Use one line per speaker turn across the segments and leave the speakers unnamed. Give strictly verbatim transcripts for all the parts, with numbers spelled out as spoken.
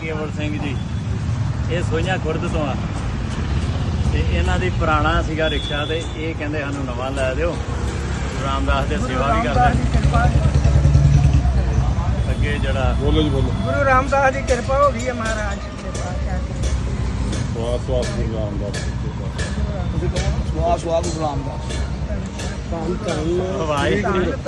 ਕੇਵਲ ਸਿੰਘ ਜੀ, ਇਹ ਸੋਈਆਂ ਖੁਰਦ ਤੋਂ ਆ ਤੇ ਇਹਨਾਂ ਦੀ ਪੁਰਾਣਾ ਸੀਗਾ ਰਿਕਸ਼ਾ ਤੇ ਇਹ ਕਹਿੰਦੇ ਸਾਨੂੰ ਨਵਾਂ ਲੈ ਦਿਓ। ਗੁਰੂ ਰਾਮਦਾਸ ਦੇ ਸੇਵਾ ਵੀ ਕਰਦੇ ਅੱਗੇ ਜਿਹੜਾ
ਬੋਲੋ ਜੀ ਬੋਲੋ।
ਗੁਰੂ ਰਾਮਦਾਸ ਦੀ ਕਿਰਪਾ ਹੋ ਗਈ ਹੈ ਮਹਾਰਾਜ ਦੇ ਪਾਤਸ਼ਾਹ ਦੀ।
ਸਵਾਸ ਸਵਾਸ ਗੁਰੂ ਰਾਮਦਾਸ
ਸਵਾਸ ਸਵਾਸ ਗੁਰੂ ਰਾਮਦਾਸ।
ਧੰਨ
ਆਵਾਜ਼
ਧੰਨ
ਆਵਾਜ਼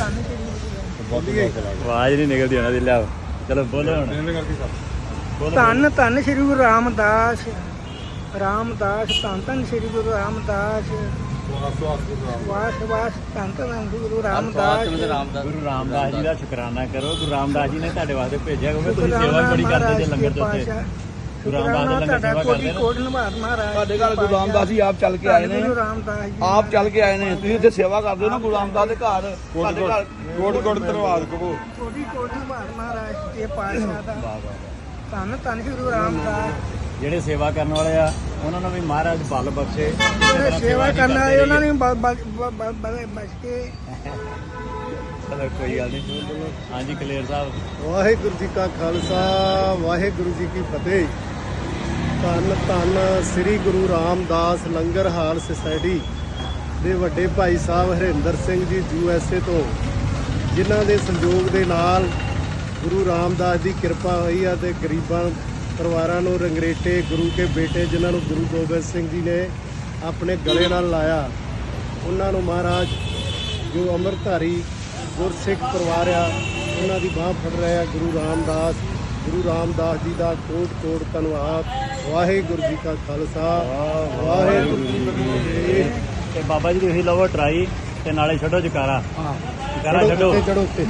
ਨਹੀਂ ਨਿਕਲਦੀ ਉਹਨਾਂ ਦੀ। ਲਿਆਓ ਚਲੋ ਬੋਲੋ ਹੁਣ। ਬੋਲੋ।
ਧੰਨ ਧੰਨ ਸ੍ਰੀ ਗੁਰੂ ਰਾਮਦਾਸ ਰਾਮਦਾਸ ਧੰਨ ਧੰਨ ਸ੍ਰੀ ਗੁਰੂ ਰਾਮਦਾਸ ਵਾਸ ਵਾਸ ਧੰਨ ਧੰਨ ਗੁਰੂ ਰਾਮਦਾਸ।
ਗੁਰੂ ਰਾਮਦਾਸ ਜੀ ਦਾ ਸ਼ੁਕਰਾਨਾ ਕਰੋ। ਗੁਰੂ ਰਾਮਦਾਸ ਜੀ ਨੇ ਤੁਹਾਡੇ ਵਾਸਤੇ ਭੇਜਿਆ ਕਿਉਂਕਿ ਤੁਸੀਂ ਸੇਵਾ ਬੜੀ ਕਰਦੇ ਜੇ ਲੰਗਰ ਦੇ ਉੱਤੇ। ਗੁਰੂ ਰਾਮਦਾਸ ਦੇ ਲੰਗਰ ਸੇਵਾ ਕਰਦੇ ਨੇ।
ਕੋਟ ਨਿਭਾਤ ਮਹਾਰਾਜ
ਸਾਡੇ ਘਰ ਗੁਰੂ ਰਾਮਦਾਸ ਜੀ ਆਪ ਚੱਲ ਕੇ ਆਏ ਨੇ।
ਗੁਰੂ ਰਾਮਦਾਸ ਜੀ
ਆਪ ਚੱਲ ਕੇ ਆਏ ਨੇ। ਤੁਸੀਂ ਇੱਥੇ ਸੇਵਾ ਕਰਦੇ ਹੋ ਨਾ ਗੁਰੂ ਰਾਮਦਾਸ ਦੇ ਘਰ। ਸਾਡੇ ਘਰ
ਕੋਟ ਕੋਟ ਧੰਨਵਾਦ ਕਹੋ।
ਕੋਟੀ ਕੋਟ ਨਿਭਾਤ ਮਹਾਰਾਜ ਦੇ ਪਾਤਸ਼ਾਹ ਦਾ
ਵਾਹ ਵਾਹ।
ਧੰਨ ਧੰਨ ਸ੍ਰੀ ਗੁਰੂ ਰਾਮਦਾਸ।
ਜਿਹੜੇ ਸੇਵਾ ਕਰਨ ਵਾਲੇ ਆ ਉਹਨਾਂ ਨੂੰ ਵੀ ਮਹਾਰਾਜ ਬਲ ਬਖਸ਼ੇ।
ਜਿਹੜੇ ਸੇਵਾ ਕਰਨ ਆਏ ਉਹਨਾਂ ਨੇ ਬਚ ਕੇ।
ਚਲੋ ਕੋਈ ਗੱਲ ਨਹੀਂ। ਹਾਂਜੀ ਕਲੇਰ ਸਾਹਿਬ।
ਵਾਹਿਗੁਰੂ ਜੀ ਕਾ ਖਾਲਸਾ ਵਾਹਿਗੁਰੂ ਜੀ ਕੀ ਫਤਿਹ। ਧੰਨ ਧੰਨ ਸ੍ਰੀ ਗੁਰੂ ਰਾਮਦਾਸ ਲੰਗਰ ਹਾਲ ਸੁਸਾਇਟੀ ਦੇ ਵੱਡੇ ਭਾਈ ਸਾਹਿਬ ਹਰਿੰਦਰ ਸਿੰਘ ਜੀ ਯੂ ਐਸ ਏ ਤੋਂ, ਜਿਨ੍ਹਾਂ ਦੇ ਸੰਯੋਗ ਦੇ ਨਾਲ ਗੁਰੂ ਰਾਮਦਾਸ ਦੀ ਕਿਰਪਾ ਹੋਈ ਆ ਤੇ ਗਰੀਬਾਂ ਪਰਿਵਾਰਾਂ ਨੂੰ ਰੰਗਰੇਟੇ ਗੁਰੂ ਕੇ ਬੇਟੇ ਜਿਨ੍ਹਾਂ ਨੂੰ ਗੁਰੂ ਗੋਬਿੰਦ ਸਿੰਘ ਜੀ ਨੇ ਆਪਣੇ ਗਲੇ ਨਾਲ ਲਾਇਆ, ਉਹਨਾਂ ਨੂੰ ਮਹਾਰਾਜ ਜੋ ਅੰਮ੍ਰਿਤਧਾਰੀ ਗੁਰਸਿੱਖ ਪਰਿਵਾਰ ਆ ਉਹਨਾਂ ਦੀ ਬਾਂਹ ਫੜ ਰਿਹਾ ਗੁਰੂ ਰਾਮਦਾਸ। ਗੁਰੂ ਰਾਮਦਾਸ ਜੀ ਦਾ ਕੋਟ ਕੋਟ ਧੰਨਵਾਦ। ਵਾਹਿਗੁਰੂ ਜੀ ਕਾ ਖਾਲਸਾ ਵਾਹਿਗੁਰੂ ਜੀ ਕੀ ਫਤਿਹ।
ਤੇ ਬਾਬਾ ਜੀ ਤੁਸੀਂ ਲਵੋ ਟਰਾਈ ਤੇ ਨਾਲੇ ਛੱਡੋ ਜਕਾਰਾ। ਜਕਾਰਾ ਛੱਡੋ।
ਚੜੋ ਉੱਤੇ।